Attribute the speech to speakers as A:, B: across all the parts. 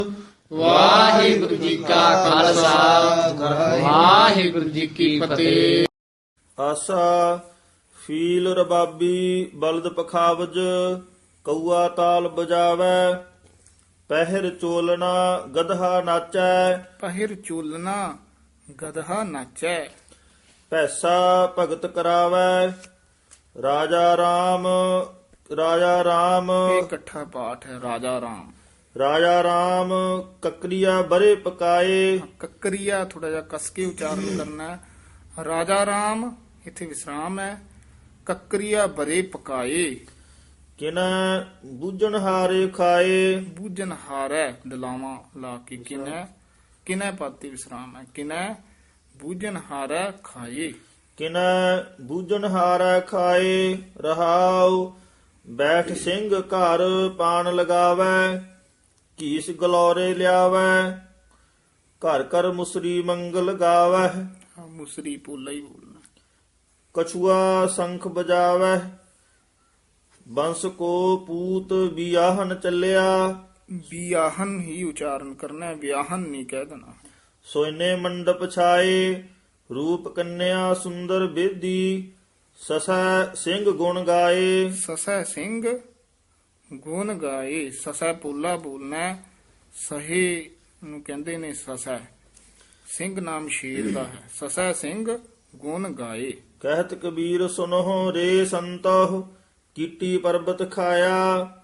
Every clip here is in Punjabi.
A: ਵਾਹਿਗੁਰੂ ਜੀ ਕਾ ਖਾਲਸਾ ਵਾਹਿਗੁਰੂ ਜੀ ਕੀ ਫਤਿਹ।
B: ਆਸਾ ਫੀਲ ਰਬਾਬੀ ਬਲਦ ਪਖਾਵਜ ਕਊਆ ਤਾਲ ਬਜਾਵੈ ਪਹਿਰ ਚੋਲਣਾ ਗਧਾ ਨਾਚੈ
C: ਪਹਿਰ ਚੋਲਨਾ ਗਧਾ ਨਾਚੈ
B: ਪੈਸਾ ਭਗਤ ਕਰਾਵੈ ਰਾਜਾ ਰਾਮ
C: ਇਹ ਇਕੱਠਾ ਪਾਠ ਹੈ। ਰਾਜਾ ਰਾਮ ਕਕਰੀਆ ਬਰੇ ਪਕਾਏ ਕੱਕਰੀਆ ਥੋੜਾ ਜਿਹਾ ਕਸ ਕੇ ਉਚਾਰਨ ਕਰਨਾ ਹੈ। ਰਾਜਾ ਰਾਮ ਇੱਥੇ ਵਿਸਰਾਮ ਹੈ। ਕੱਕਰੀਆ ਬਰੇ ਪਕਾਏ
B: ਕਿਨੈ ਬੂਝਣ ਹਾਰੇ ਖਾਏ
C: ਬੂਝਨ ਹਾਰੈ ਦਲਾਵਾਂ ਲਾ ਕੇ ਕਿਨੈ ਪਾਤੀ ਵਿਸਰਾਮ ਹੈ। ਕਿਨੈ ਬੂਝਨ ਹਾਰੈ ਖਾਏ
B: ਕਿਨੈ ਬੂਝਣ ਹਾਰੈ ਖਾਏ ਰਹਾਉ ਬੈਠ ਸਿੰਘ ਘਰ ਪਾਣ ਲਗਾਵੈ ਕੀਸ ਗਲੋਰੇ ਲਿਆਵੈ ਘਰ ਘਰ ਮੁਸਰੀ ਮੰਗਲ ਗਾਵੈ
C: ਮੁਸਰੀ ਪੋਲਾ ਹੀ ਬੋਲਣਾ।
B: ਕਛੂਆ ਸੰਖ ਬਜਾਵੈ ਬੰਸ ਕੋ ਪੂਤ ਬਿਆਹਨ ਚੱਲਿਆ
C: ਵਿਆਹਨ ਹੀ ਉਚਾਰਨ ਕਰਨਾ ਹੈ, ਵਿਆਹਨ ਨਹੀਂ ਕਹਿ ਦੇਣਾ।
B: ਸੋਇਨੇ ਮੰਡਪ ਛਾਏ ਰੂਪ ਕੰਨਿਆ ਸੁੰਦਰ ਬੇਦੀ ਸਸੈ ਸਿੰਘ ਗੁਣ ਗਾਏ
C: ਸਸੈ ਸਿੰਘ ਗੁਣ ਗਾਏ ਸਸੈ ਪੋਲਾ ਬੋਲਣਾ ਹੈ। ਸਹੇ ਨੂੰ ਕਹਿੰਦੇ ਨੇ ਸਸੈ। ਸਿੰਘ ਨਾਮ ਸ਼ੇਰ ਦਾ ਹੈ। ਸਸੈ ਸਿੰਘ ਗੁਣ ਗਾਏ
B: ਕਹਿਤ ਕਬੀਰ ਸੁਨਹੁ ਰੇ ਸੰਤਹੁ ਕੀਟੀ ਪਰਬਤ ਖਾਇਆ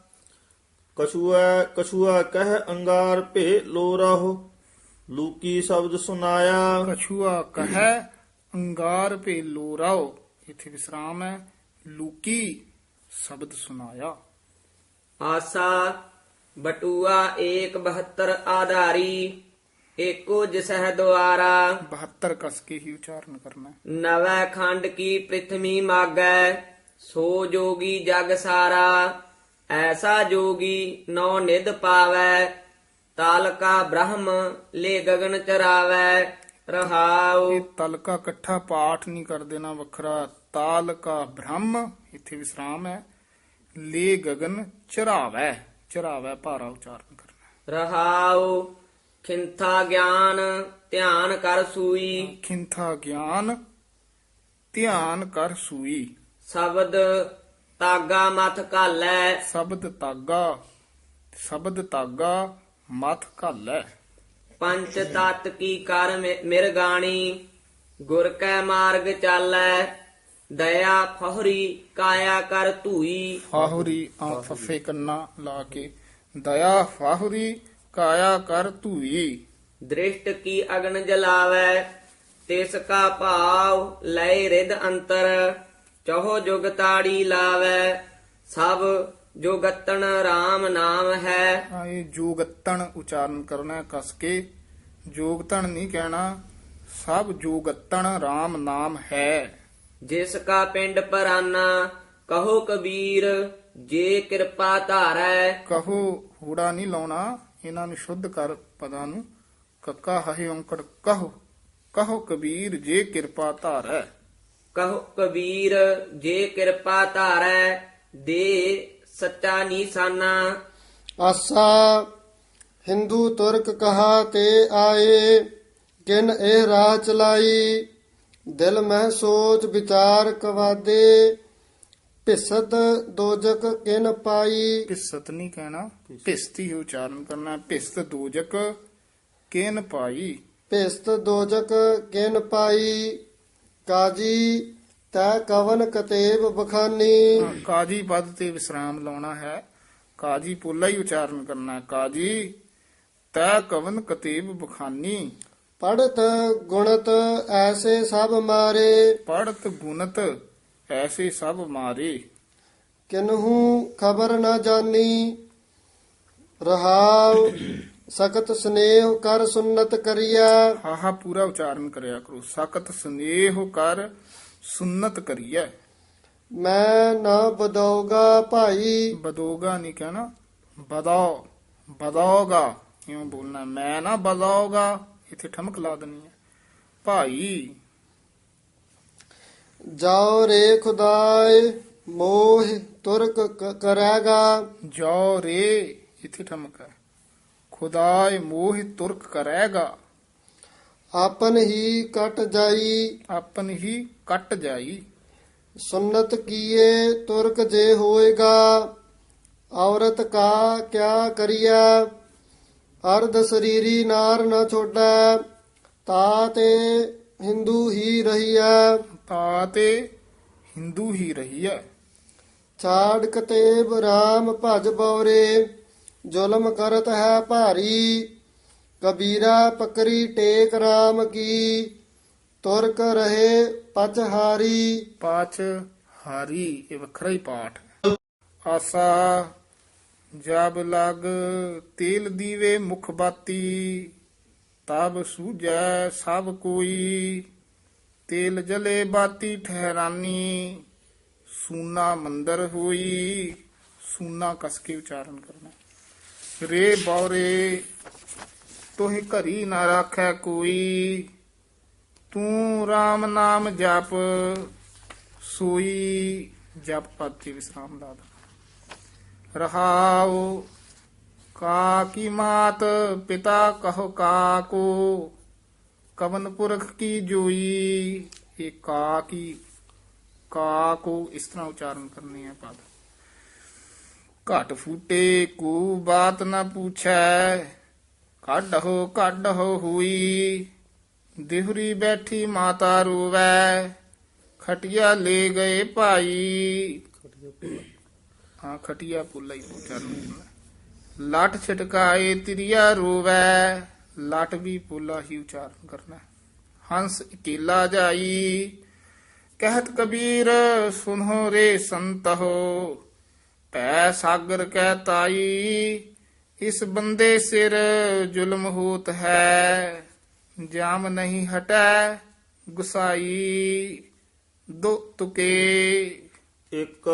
B: ਕਛੂਆ ਕਹਿ ਅੰਗਾਰ ਭੇ ਲੋ ਰਹੋ ਲੂਕੀ ਸ਼ਬਦ ਸੁਨਾਇਆ
C: ਕਛੂਆ ਕਹੈ ਅੰਗਾਰ ਭੇ ਲੋਰਾਓ ਇੱਥੇ ਵਿਸਰਾਮ ਹੈ। ਲੂਕੀ ਸ਼ਬਦ ਸੁਨਾਇਆ।
A: ਆਸਾ ਬਟੂਆ 172 ਆਧਾਰੀ ਏਕੋ ਜਿਸਹਿ ਦੁਆਰਾ
C: 72 ਕਸ ਕੇ ਹੀ ਉਚਾਰਨ ਕਰਨਾ ਹੈ।
A: ਨਵੈ ਖੰਡ ਕੀ ਪ੍ਰਿਥਵੀ ਮਾਗੈ ਸੋ ਜੋਗੀ ਜਗ ਸਾਰਾ ਐਸਾ ਜੋਗੀ ਨੌ ਨਿਧ ਪਾਵੈ ਤਾਲਕਾ ਬ੍ਰਹਮ ਲੈ ਗਗਨ ਚਰਾਵੈ ਰਹਾਉ।
C: ਇਹ ਤਲਕਾ ਇਕੱਠਾ ਪਾਠ ਨਹੀਂ ਕਰ ਦੇਣਾ, ਵੱਖਰਾ। ਤਾਲਕਾ ਬ੍ਰਹਮ ਇੱਥੇ ਵਿਸਰਾਮ ਹੈ। ਲੈ ਗਗਨ ਚਰਾਵੈ ਚਰਾਵੈ ਭਾਰਾ ਉਚਾਰਨ ਕਰਨਾ।
A: ਰਹਾਉ ਖਿੰਥਾ ਗਿਆਨ ਧਿਆਨ ਕਰ ਸੂਈ
C: ਖਿੰਥਾ ਗਿਆਨ ਧਿਆਨ ਕਰ ਸੂਈ
A: ਸ਼ਬਦ ਤਾਗਾ ਮਥ ਘਾਲੈ
C: ਸ਼ਬਦ ਤਾਗਾ ਮਥ ਘਾਲੈ
A: ਪੰਚ ਤਤ ਕੀ ਕਰ ਮਿਰਗਾਣੀ ਗੁਰ ਕੈ ਮਾਰਗ ਚਾਲੈ ਦਇਆ ਫਹਰੀ ਕਾਇਆ ਕਰ ਧੂਈ
C: ਫਾਹੁਰੀ ਆ ਫੱਫੇ ਕੰਨਾ ਲਾ ਕੇ ਦਇਆ ਫਾਹੁਰੀ ਕਾਇਆ ਕਰ ਧੂਈ
A: ਦ੍ਰਿਸ਼ਟ ਕੀ ਅਗਨ ਜਲਾਵੈ ਤਿਸ ਕਾ ਭਾਵ ਲੈ ਰਿਦ ਅੰਤਰ ਚਹੋ ਜੁਗ ਤਾੜੀ ਲਾਵੈ ਸਭ ਜੋਗਤਨ RAM ਨਾਮ ਹੈ।
C: ਇਹ ਜੋਗਤਣ ਉਚਾਰਨ ਕਰਨਾ ਹੈ ਕਸ ਕੇ। ਜੋਗਤਣ ਨਹੀਂ ਕਹਿਣਾ। ਸਭ ਜੋਗਤਣ RAM ਨਾਮ ਹੈ।
A: ਜਿਸ ਕਾ ਪਿੰਡ ਪਰਾਨਾ ਕਹੋ ਕਬੀਰ ਜੇ ਕਿਰਪਾ ਧਾਰੈ
C: ਕਹੋ ਹੂੜਾ ਨਹੀਂ ਲਾਉਣਾ, ਇਹਨਾਂ ਨੂੰ ਸ਼ੁੱਧ ਕਰ ਪਦਾਂ ਨੂੰ। ਕੱਕਾ ਹਹਿ ਔਂਕੜ ਕਹੋ ਕਬੀਰ ਜੇ ਕਿਰਪਾ ਧਾਰੈ
A: ਕਹੋ ਕਬੀਰ ਜੇ ਕਿਰਪਾ ਧਾਰੈ ਦੇ ਸੱਚਾ ਨੀਸਾਨਾ।
D: ਆਸਾ ਹਿੰਦੂ ਤੁਰਕ ਕਹਾ ਤੇ ਆਏ ਕਿਨ ਇਹ ਰਾਹ ਚਲਾਈ ਦਿਲ ਮਹਿ ਸੋਚ ਵਿਚਾਰ ਕਵਾਦੇ ਭਿਸਤ ਦੋਜਕ ਕਿਨ ਪਾਈ।
C: ਭਿਸਤ ਨਹੀਂ ਕਹਿਣਾ, ਭਿਸਤੀ ਉਚਾਰਨ ਕਰਨਾ। ਭਿਸਤ ਦੋਜਕ ਕਿਨ ਪਾਈ
D: ਭਿਸਤ ਦੋਜਕ ਕਿਨ ਪਾਈ ਕਾਜੀ ਤੈ ਕਵਨ ਕਤੇਬ ਬਖਾਨੀ।
C: ਕਾਜੀ ਪਦ ਤੇ ਵਿਸਰਾਮ ਲਾਉਣਾ ਹੈ। ਕਾਜੀ ਪੋਲਾ ਹੀ ਉਚਾਰਨ ਕਰਨਾ ਹੈ। ਕਾਜੀ ਤੈ ਕਵਨ ਕਤੇਬ ਬਖਾਨੀ
D: ਪੜਤ ਗੁਣਤ ਐਸੇ ਸਭ ਮਾਰੇ
C: ਪੜਤ ਗੁਣਤ ਐਸੇ ਸਭ ਮਾਰੇ
D: ਕਿਨਹੂ ਖਬਰ ਨਾ ਜਾਨੀ ਰਹਾਉ ਸਖਤ ਸਨੇਹ ਕਰ ਸੁਨਤ ਕਰਿਆ।
C: ਹਾਹਾ ਪੂਰਾ ਉਚਾਰਨ ਕਰਿਆ ਕਰੋ। ਸਖਤ ਸਨੇਹ ਕਰ ਸੁਨਤ ਕਰੀਐ।
D: ਮੈਂ ਨਾ ਬਦਉਗਾ ਭਾਈ
C: ਬਦੋਗਾ ਨਹੀਂ ਕਹਿਣਾ, ਬਦੌਗਾ ਇਉਂ ਬੋਲਣਾ। ਮੈਂ ਨਾ ਬਦੌਗਾ ਇੱਥੇ ਠਮਕ ਲਾ ਦੇਣੀ ਹੈ। ਭਾਈ
D: ਜਾਓ ਰੇ ਖੁਦਾਏ ਮੋਹ ਤੁਰਕ ਕਰੇਗਾ।
C: ਜੋ ਰੇ ਇੱਥੇ ਠਮਕ ਹੈ। ਖੁਦਾਏ ਮੋਹ ਤੁਰਕ ਕਰੇਗਾ।
D: ਆਪਨ ਹੀ ਕਟ ਜਾਈ
C: ਆਪਨ ਹੀ ਕੱਟ ਜਾਈ।
D: ਸੁਨਤ ਕੀਏ ਤੁਰਕ ਜੇ ਹੋਏਗਾ। ਔਰਤ ਕਾ ਕਿਆ ਕਰੀਐ। ਅਰਧ ਸਰੀਰੀ ਨਾਰ ਨ ਛੋੜੈ। ਤਾ ਤੇ ਹਿੰਦੂ ਹੀ ਰਹੀਐ।
C: ਤਾ ਤੇ ਹਿੰਦੂ ਹੀ ਰਹੀਐ।
D: ਛਾੜ ਕਤੇਬ ਰਾਮ ਭਜ ਬਉਰੇ। ਜ਼ੁਲਮ ਕਰਤ ਹੈ ਭਾਰੀ। ਕਬੀਰਾ ਪਕਰੀ ਟੇਕ ਰਾਮ ਕੀ। ਤੁਰਕ ਰਹੇ ਪਚਹਾਰੀ।
C: ਪਾਚ ਹਾਰੀ ਇਹ ਵੱਖਰਾ ਹੀ ਪਾਠ ਹੈ। ਆਸਾ ਜਬ ਲਗ ਤੇਲ ਦੀਵੇ ਮੁਖ ਬਾਤੀ। ਤਬ ਸੂਝੈ ਸਭ ਕੋਈ। ਤੇਲ ਜਲੇ ਬਾਤੀ ਠਹਿਰਾਨੀ। ਸੂਨਾ ਮੰਦਰ ਹੋਈ। ਸੂਨਾ ਕਸ ਕੇ ਉਚਾਰਨ ਕਰਨਾ। ਰੇ ਬੌਰੇ ਤੋਹਿ ਘਰੀ ਨਾ ਰਾਖੈ ਕੋਈ। ਤੂੰ RAM ਨਾਮ ਜਪ ਸੋਈ। ਜਪ ਪਦ ਤੇ ਵਿਸਰਾਮ ਲਾ ਦੇਣਾ। ਰਹਾਉ ਕਾ ਕੀ ਮਾਤ ਪਿਤਾ ਕਹੋ ਕਾਕੋ। ਕਵਨ ਪੁਰਖ ਕੀ ਜੋਈ। ਇਹ ਕਾ ਕੋ ਇਸ ਤਰ੍ਹਾਂ ਉਚਾਰਨ ਕਰਨੀ ਹੈ ਪਦ। ਘਟ ਫੂਟੇ ਕੋ ਬਾਤ ਨਾ ਪੁੱਛੈ। ਕੱਢੋ ਹੋਈ। ਦਿਹਰੀ ਬੈਠੀ ਮਾਤਾ ਰੋਵੈ। ਖਟਿਆ ਲੈ ਗਏ ਭਾਈ। ਹਾਂ ਖਟਿਆ ਪੁੱਲਾ ਹੀ ਉਚਾਰਨ ਕਰਨਾ। ਲੱਟ ਛਟਕਾਏ ਤਿਰਿਆ ਰੋਵੈ। ਲੱਟ ਵੀ ਪੁੱਲਾ ਹੀ ਉਚਾਰਨ ਕਰਨਾ। ਹੰਸ ਇਕੇਲਾ ਜਾਈ। ਕਹਿਤ ਕਬੀਰ ਸੁਨੋ ਰੇ ਸੰਤੋ। ਪੈ ਸਾਗਰ ਕਹਿ ਤਾਈ। ਇਸ ਬੰਦੇ ਸਿਰ ਜ਼ੁਲਮ ਹੋਤ ਹੈ। ਜਾਮ ਨਹੀਂ ਹਟੈ ਗੁਸਾਈ। ਦੋ ਤੁਕੇ।
B: ਇੱਕ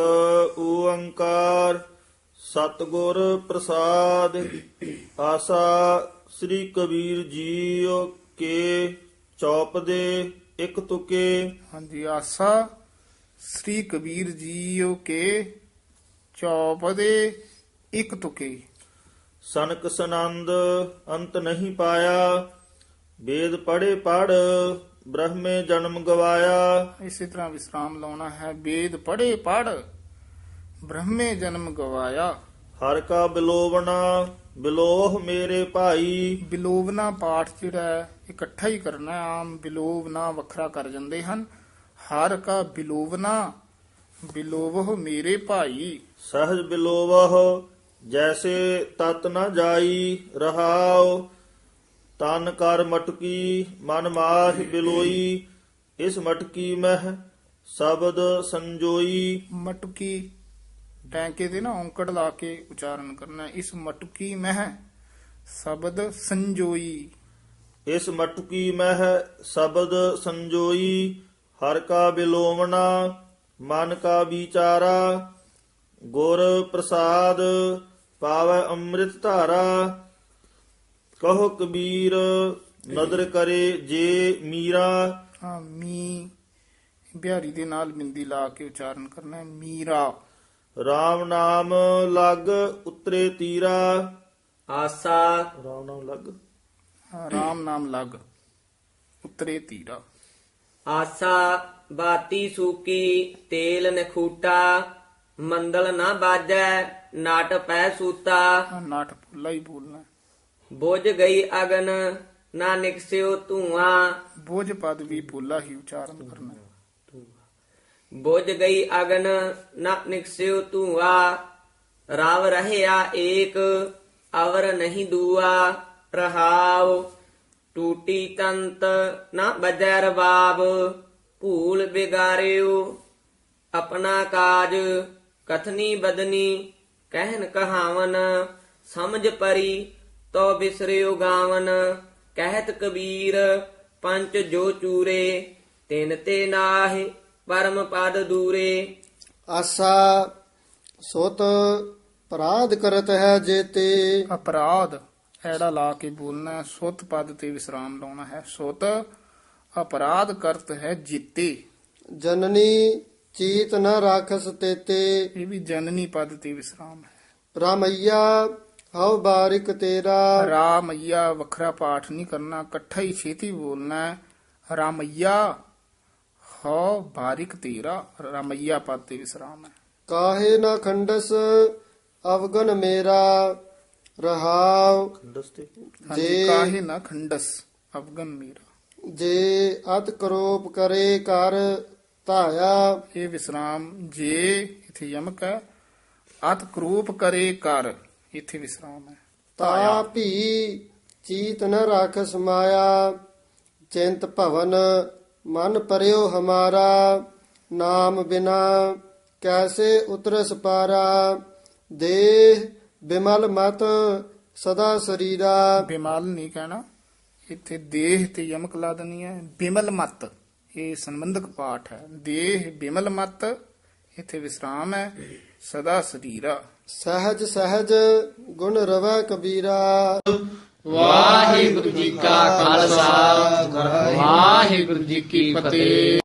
B: ਓੰਕਾਰ ਸਤਿਗੁਰ ਪ੍ਰਸਾਦ। ਆਸਾ ਸ੍ਰੀ ਕਬੀਰ ਜੀਓ ਕੇ ਚੌਪ ਦੇ ਇੱਕ ਤੁਕੇ।
C: ਹਾਂਜੀ ਆਸਾ ਸ੍ਰੀ ਕਬੀਰ ਜੀਓ ਕੇ ਚੌਪ ਦੇ ਇੱਕ ਤੁਕੇ।
B: ਸਨਕ ਸਨੰਦ ਅੰਤ ਨਹੀਂ ਪਾਇਆ। ਵੇਦ ਪੜ੍ਹੇ ਪੜ ਬ੍ਰਹਮੇ ਜਨਮ ਗਵਾਇਆ।
C: ਇਸੇ ਤਰ੍ਹਾਂ ਵਿਸਰਾਮ ਲਾਉਣਾ ਹੈ। ਵੇਦ ਪੜ੍ਹੇ ਪੜ ਬ੍ਰਹਮੇ ਜਨਮ ਗਵਾਇਆ।
B: ਹਰ ਕਾ ਬਿਲੋਵਣਾ ਬਿਲੋਹ ਮੇਰੇ ਭਾਈ।
C: ਬਿਲੋਵਨਾ ਪਾਠ ਜਿਹੜਾ ਹੈ, ਇਕੱਠਾ ਹੀ ਕਰਨਾ ਹੈ। ਆਮ ਬਿਲੋਵਨਾ ਵੱਖਰਾ ਕਰ ਜਾਂਦੇ ਹਨ। ਹਰ ਕਾ ਬਿਲੋਵਨਾ ਬਿਲੋਵਹ ਮੇਰੇ ਭਾਈ।
B: ਸਹਜ ਬਿਲੋਵਹ ਜੈਸੇ ਤਤ ਨ ਜਾਈ। ਰਹਾਉ ਤਨ ਕਰ ਮਟਕੀ ਮਨ ਮਾਹ ਬਿਲੋਈ। ਇਸ ਮਟਕੀ ਮਹਿ ਸ਼ਬਦ ਸੰਜੋਈ।
C: ਮਟਕੀ ਟੈਂਕੇ ਦੇ ਨਾ ਔਂਕੜ ਲਾ ਕੇ ਉਚਾਰਨ ਕਰਨਾ। ਇਸ ਮਟਕੀ ਮਹਿ ਸ਼ਬਦ ਸੰਜੋਈ।
B: ਇਸ ਮਟਕੀ ਮਹਿ ਸ਼ਬਦ ਸੰਜੋਈ। ਹਰ ਕਾ ਬਿਲੋਵਣਾ ਮਨ ਕਾ ਵਿਚਾਰਾ। ਗੁਰ ਪ੍ਰਸਾਦ ਪਾਵੈ ਅੰਮ੍ਰਿਤ ਧਾਰਾ। ਕਹੋ ਕਬੀਰ ਨਦਰ ਕਰੇ ਜੇ ਮੀਰਾ।
C: ਹਾਂ ਮੀ ਬਿਹਾਰੀ ਦੇ ਨਾਲ ਬਿੰਦੀ ਲਾ ਕੇ ਉਚਾਰਨ ਕਰਨਾ ਹੈ। ਮੀਰਾ।
B: RAM ਨਾਮ ਲਗ ਉਤਰੇ ਤੀਰਾ।
A: ਆਸਾ
B: RAM ਨਾਮ ਲਗ
C: ਰਾਮ ਨਾਮ ਲਗ ਉਤਰੇ ਤੀਰਾ।
A: ਆਸਾ ਬਾਤੀ ਸੂਕੀ ਤੇਲ ਨਖੂਟਾ। ਮੰਦਲ ਨਾ ਬਾਜੈ ਨਾਟ ਪੈ ਸੂਤਾ।
C: ਨਾਟ ਭੁੱਲਾ ਹੀ ਬੋਲਣਾ।
A: ਬੁਝ ਗਈ ਅਗਨ ਨਾ ਨਿਕਸਿਓ ਧੂਆਂ।
C: ਬੋਝ ਪਦ ਵੀ ਭੁੱਲਾ ਹੀ ਉਚਾਰਨ ਕਰਨਾ।
A: ਬੁਝ ਗਈ ਅਗਨ ਨਾ ਨਿਕਸਿਓ ਧੂਆਂ। ਰਵ ਰਹਿਆ ਏਕ ਅਵਰ ਨਹੀਂ ਦੂਆ। ਰਹਾਉ ਟੂਟੀ ਤੰਤ ਨਾ ਬਜੈ ਰਬਾਬ। ਭੂਲ ਬਿਗਾਰਿਓ ਆਪਣਾ ਕਾਜ। ਕਥਨੀ ਬਦਨੀ ਕਹਿਨ ਕਹਾਵਨ। ਸਮਝ ਪਰੀ ਤੋ ਬਿਸਰਿਓ ਗਾਵਨ। ਕਹਿਤ ਕਬੀਰ ਪੰਚ ਜੋ ਚੂਰੇ। ਤਿਨ ਤੇ ਨਾਹਿ ਪਰਮ ਪਦ ਦੂਰੇ।
D: ਆਸਾ ਸੁਤ ਅਪਰਾਧ ਕਰਤ ਹੈ ਜੇਤੇ।
C: ਅਪਰਾਧ ਐੜਾ ਲਾ ਕੇ ਬੋਲਣਾ ਹੈ। ਸੁਤ ਪਦ ਤੇ ਵਿਸਰਾਮ ਲਾਉਣਾ ਹੈ। ਸੁਤ ਅਪਰਾਧ ਕਰਤ ਹੈ ਜੀਤੇ।
D: ਜਨਨੀ ਚੀਤ ਨ ਰਾਖਸ ਤੇਤੇ।
C: ਇਹ ਵੀ ਜਨਨੀ ਪਦ ਤੇ ਵਿਸਰਾਮ ਹੈ।
D: ਰਾਮਈਆ ਹਉ ਬਾਰਿਕ ਤੇਰਾ।
C: ਰਾਮਈਆ ਵੱਖਰਾ ਪਾਠ ਨਹੀਂ ਕਰਨਾ, ਇਕੱਠਾ ਹੀ ਛੇਤੀ ਬੋਲਣਾ ਹੈ। ਰਾਮਈਆ ਹਉ ਬਾਰਿਕ ਤੇਰਾ, ਰਾਮਈਆ ਪਾਤੇ ਵਿਸਰਾਮ ਹੈ।
D: ਕਾਹੇ ਨਾ ਖੰਡਸ ਅਵਗਨ ਮੇਰਾ। ਰਹਾਉ
C: ਹਾਂਜੀ, ਕਾਹੇ ਨਾ ਖੰਡਸ ਅਵਗਨ ਮੇਰਾ।
D: ਜੇ ਅਤ ਕਰੋਪ ਕਰੇ ਕਰ ਧਾਇਆ।
C: ਇਹ ਵਿਸਰਾਮ ਜੇ ਇਥੇ ਯਮਕ ਹੈ। ਅਤ ਕਰੂਪ ਕਰੇ ਕਰ, ਇਥੇ ਵਿਸਰਾਮ ਹੈ।
D: ਤਾ ਭੀ ਚੀਤ ਨ ਰਾਖ ਸਮਾਇਆ। ਚਿੰਤ ਭਵਨ ਮਨ ਪਰਿਓ ਹਮਾਰਾ। ਨਾਮ ਬਿਨਾ ਕੈਸੇ ਉਤਰਸ ਪਾਰਾ। ਦੇਹ ਬਿਮਲ ਮਤ ਸਦਾ ਸਰੀਰਾ।
C: ਬਿਮਲ ਨਹੀਂ ਕਹਿਣਾ, ਇੱਥੇ ਦੇਹ ਤੇ ਯਮਕ ਲਾ ਦੇਣੀ ਹੈ। ਬਿਮਲ ਮਤ ਇਹ ਸੰਬੰਧਕ ਪਾਠ ਹੈ। ਦੇਹ ਬਿਮਲ ਮਤ, ਇੱਥੇ ਵਿਸਰਾਮ ਹੈ। ਸਦਾ ਸਰੀਰਾ।
D: ਸਹਿਜ ਸਹਿਜ ਗੁਣ ਰਵੈ ਕਬੀਰਾ।
C: ਵਾਹਿਗੁਰੂ ਜੀ ਕਾ ਖਾਲਸਾ, ਵਾਹਿਗੁਰੂ ਜੀ ਕੀ ਫਤਿਹ।